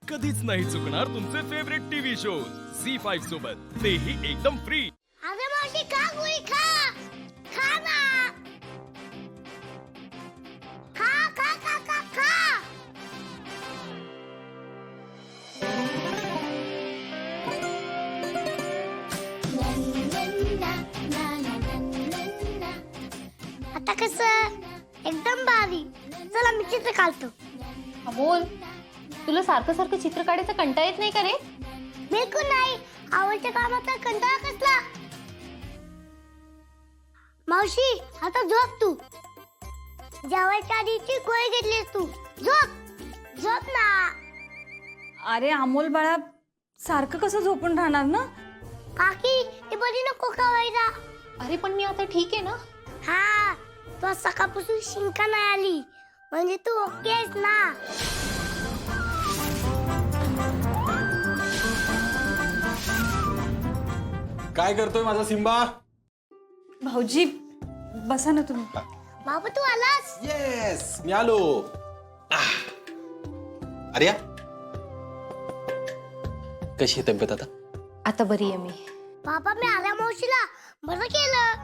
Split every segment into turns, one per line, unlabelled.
कधीच नाही चुकणार तुमचे फेवरेट टीव्ही शोज झी5 सोबत, तेही एकदम फ्री।
अरे मावशी खा गोळी खा खा ना खा खा खा खा खा आता कसं एकदम भारी। चला मी चित्र काढतो।
अमोल, तुला सारखं सारखं चित्र काढायचा कंटाळा येत नाही का रे?
बिलकुल नाही, आवडत्या कामाचा कंटाळा कसला। मावशी आता झोप तू, जेवायच्या आधीची गोळी घेतलीस तू, झोप झोप ना।
अरे अमोल बाळा, सारखं कसं झोपून राहणार ना?
काकी ते बरी नको खावायला।
अरे पण मी आता ठीक आहे ना?
हा, तू आज सकाळपासून शिंका नाही आली म्हणजे तू ओके आहेस ना।
काय करतोय माझा सिम्बा?
भाऊजी बसा ना तुम्ही।
बाबा तू आलास?
येस, मी आलो। अरे कशी आहे तब्येत आता?
आता बरी आहे मी।
बाबा मी आल्या मावशीला बरं केलं।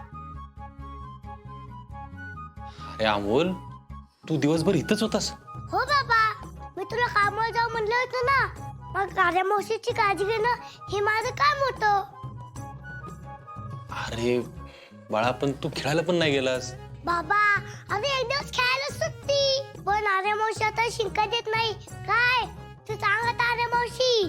अरे अमोल, तू दिवसभर इथंच होतास?
हो बाबा, मी तुला कामावर जाऊ म्हणलं होतं ना, मग आल्या मावशीची काळजी घेणं हे माझं काम होतं।
अरे बाळा, पण तू खेळायला पण नाही गेलास।
बाबा अरे एक दिवस खेळायला सुट्टी, पण आर्या मावशी आता शिंका देत नाही काय तू सांगत आर्या मावशी।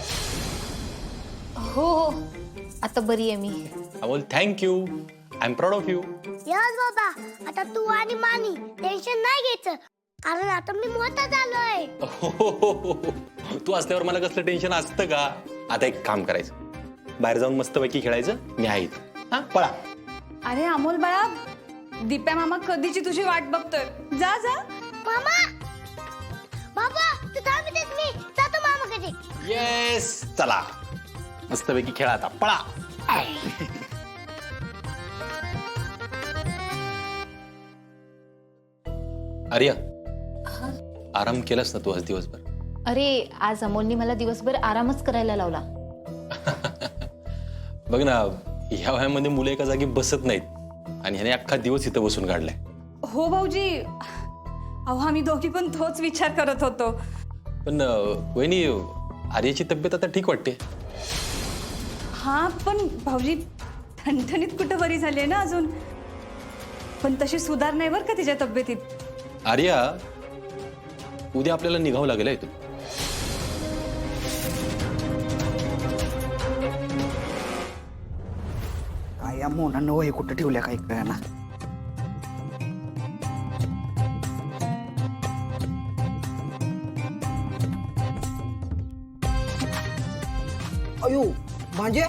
हो हो, आता बरी आहे मी।
Amol thank you, I am proud of you.
Yes बाबा, आता तू आणि मानी टेन्शन नाही घ्यायचं, कारण आता मी मोठा झालोय।
तू असल्यावर मला कसलं टेन्शन असतं का? आता एक काम करायचं, बाहेर जाऊन मस्तपैकी खेळायचं, मी आहे इथं। हा पळा।
अरे अमोल बाळा, दीप्या मामा कधीची तुझी वाट बघतोय, जा जा।
मामा बाबा तू थांबतेस, मी जातो मामाकडे।
येस, चला मस्तपैकी खेळा आता, पळा। आर्या, आराम केलास ना तू आज दिवसभर?
अरे आज अमोलने मला दिवसभर आरामच करायला लावला।
बघ ना, ह्या वयामध्ये मुलं एका जागी बसत नाहीत आणि ह्याने अख्खा दिवस इथं बसून काढलाय।
हो भाऊजी, अहो आम्ही दोघी पण तोच विचार करत होतो।
पण वहिनी, आर्याची तब्येत आता ठीक वाटते?
हा पण भाऊजी, ठणठणीत कुठं बरी झाली आहे ना अजून, पण तशी सुधार नाही बरं का तिच्या तब्येतीत।
आर्या, उद्या आपल्याला निघावं लागेल इथून।
काय या मोनानं वही कुठं ठेवल्या काही कळना। अयो म्हणजे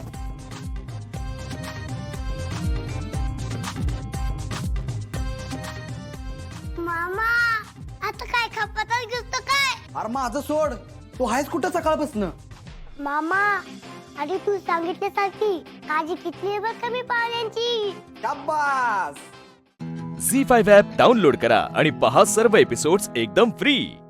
मामा आता काय खपातच घेतो काय?
अरे माझं सोड, तू आहेस कुठं सकाळपासून?
मामा अरे तू सांगितल्यासारखी काळजी किती आहे बरं कमी पाहुण्यांची।
शाबास।
झी5 ॲप डाउनलोड करा आणि पहा सर्व एपिसोड्स एकदम फ्री।